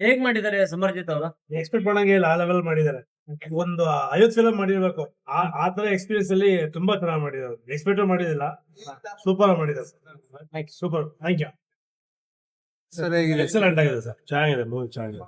ಹೇಗ್ ಮಾಡಿದ್ದಾರೆ ಸಮರ್ಜಿತ್ ಅವರು? ಎಕ್ಸ್ಪೆಕ್ಟ್ ಮಾಡಂಗೆ ಇಲ್ಲ, ಆ ಲೆವೆಲ್ ಮಾಡಿದ್ದಾರೆ. ಒಂದು 50 ಫಿಲಂ ಮಾಡಿರ್ಬೇಕು, ಆ ತರ ಎಕ್ಸ್ಪೀರಿಯನ್ಸ್ ಅಲ್ಲಿ ತುಂಬಾ ಚೆನ್ನಾಗಿ ಮಾಡಿದ್ದಾರೆ. ಎಕ್ಸ್ಪೆಕ್ಟ್ ಮಾಡಿದಿಲ್ಲ, ಸೂಪರ್ ಮಾಡಿದ್ದಾರೆ. Super, thank you sir. ಹೇಗಿದೆ? ಎಕ್ಸಲೆಂಟ್ ಆಗಿದೆ ಸರ್, ಚೆನ್ನಾಗಿದೆ ಮೂವಿ, ಚೆನ್ನಾಗಿದೆ.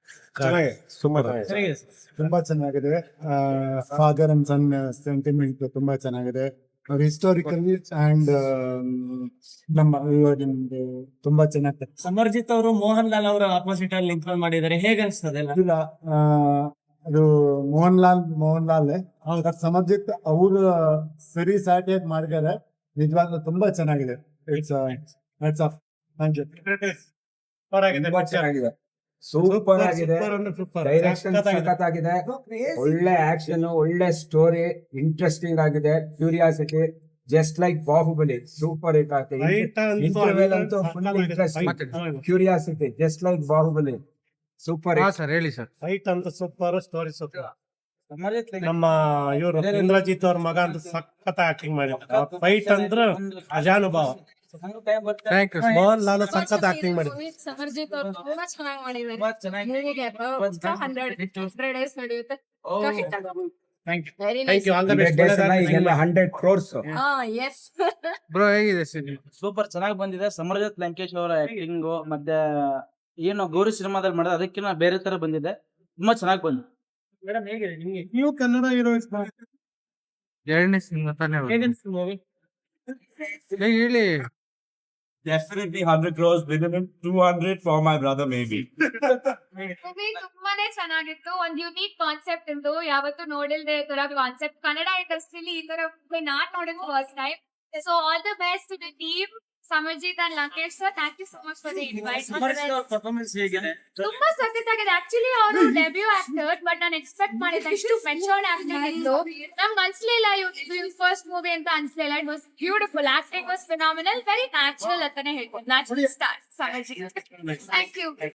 ತುಂಬಾ ಚೆನ್ನಾಗಿದೆ. ಫಾದರ್ ಅಂಡ್ ಸನ್ ಸೆಂಟಿಮೆಂಟ್ ತುಂಬಾ ಚೆನ್ನಾಗಿದೆ. ಹಿಸ್ಟಾರಿಕಲ್ ಅಂಡ್ ನಮ್ಮ ಇವಾಗಿಂದು ತುಂಬಾ ಚೆನ್ನಾಗಿದೆ. ಸಮರ್ಜಿತ್ ಅವರು ಮೋಹನ್ ಲಾಲ್ ಅವರ ಆಪೋಸಿಟ್ ಅಲ್ಲಿ ನಿಂತ್ಕೊಂಡು ಮಾಡಿದ್ದಾರೆ, ಹೇಗೆ ಅನ್ಸ್ತದೆ? ಇಲ್ಲ, ಅದು ಮೋಹನ್ ಲಾಲ್ ಸಮರ್ಜಿತ್ ಅವರು ಸರಿ ಸಾಟಿಯಾಗಿ ಮಾಡಿದ್ದಾರೆ. ನಿಜವಾಗ್ಲೂ ತುಂಬಾ ಚೆನ್ನಾಗಿದೆ. It's of thank you. ತುಂಬಾ ಚೆನ್ನಾಗಿದೆ, ಸೂಪರ್ ಆಗಿದೆ. ಡೈರೆಕ್ಷನ್ ಸಖತ್ತಾಗಿದೆ, ಒಳ್ಳೆ ಆಕ್ಷನ್, ಒಳ್ಳೆ ಸ್ಟೋರಿ, ಇಂಟ್ರೆಸ್ಟಿಂಗ್ ಆಗಿದೆ. Curiosity, just like Baahubali, super hit ಆಗ್ತದೆ. ಇಂಟರ್ವೆಲ್ ಅಂತೂ full interesting, curiosity, just like Baahubali, super. Sir ಹೇಳಿ ಸರ್. ಫೈಟ್ ಅಂತ ಸೂಪರ್, ಸ್ಟೋರಿ ಸೂಪರ್. ನಮ್ಮ ಇವರು ಇಂದ್ರಜಿತ್ ಅವ್ರ ಮಗ ಅಂತ ಸಖತ್ ಆಕ್ಟಿಂಗ್ ಮಾಡಿದ್ರು. ಫೈಟ್ ಅಂದ್ರೆ ಅಜಾನುಭಾವ. Thank you. ಮೋಹನ್ ಲಾಲ್ ಸಖತ್ ಆಕ್ಟಿಂಗ್ ಮಾಡಿದ್ರು. ಸಮರ್ಜಿತ್ ಅವರು ತುಂಬಾ ಚೆನ್ನಾಗಿ ಮಾಡಿದ್ದಾರೆ. ಮೂವಿಗೆ 100 days ನಡೆಯುತ್ತೆ. Thank you, all the best. 100 crores. Yes bro ಹೇಗಿದೆ ಸರ್? ಸೂಪರ್ ಚೆನ್ನಾಗಿ ಬಂದಿದೆ. ಸಮರ್ಜಿತ್ ಲಂಕೇಶ್ ಅವರ ಆಕ್ಟಿಂಗ್ ಮತ್ತೆ ಏನು ಗೌರಿ ಸಿನಿಮಾದಲ್ಲಿ ಮಾಡಿದ್ರೆ ಅದಕ್ಕಿಂತ ಬೇರೆ ತರ ಬಂದಿದೆ, ತುಂಬಾ ಚೆನ್ನಾಗಿ ಬಂದಿದೆ. ಮೇಡಮ್ ಹೇಗಿದೆ ನಿಮ್ಗೆ? ನೀವು ಕನ್ನಡ ಹೀರೋಯಿನ್ಸ್ ಎರಡನೇ ಸಿನಿಮಾ ತಾನೇ ಮೂವಿ ಹೇಳಿ. Definitely 100 crores, minimum 200 for my brother maybe. Movie ತುಂಬಾನೇ ಚೆನ್ನಾಗಿತ್ತು. ಒಂದ್ ಯುನೀಕ್ ಕಾನ್ಸೆಪ್ಟ್ ಇತ್ತು, ಯಾವತ್ತು ನೋಡಿಲ್ದೆ ಈ ತರ ಕಾನ್ಸೆಪ್ಟ್ ಕನ್ನಡ ಇಂಡಸ್ಟ್ರಿಲಿ ಈ ತರ ನಾಟ್ ನೋಡಿದ್ first time. So all the best to the team Samarjit and Lankesh sir. Thank you so much for the invite. Samarjit ಅವರ ಪರ್ಫಾರ್ಮೆನ್ಸ್ ಹೇಗಿದೆ? ತುಂಬಾ ಸಖತ್ತಾಗಿದೆ. ಆಕ್ಚುಲಿ ಅವರು ಡೆಬ್ಯೂ ಆಕ್ಟರ್, ಬಟ್ ನಾನು ಎಕ್ಸ್ಪೆಕ್ಟ್ ಮಾಡಿದಷ್ಟು ಮೆಚೂರ್ಡ್ ಆಕ್ಟಿಂಗ್ ಇತ್ತು. ನಮ್ಗೆ ಅನ್ಸ್ಲಿಲ್ಲ ಇವ್ರ ಫಸ್ಟ್ ಮೂವಿ ಅಂತ ಅನ್ಸ್ಲಿಲ್ಲ. It was beautiful, acting was phenomenal, very natural ಅಂತಾನೆ ಹೇಳ್ಬೋದು. Natural star Samarjit. Thank you.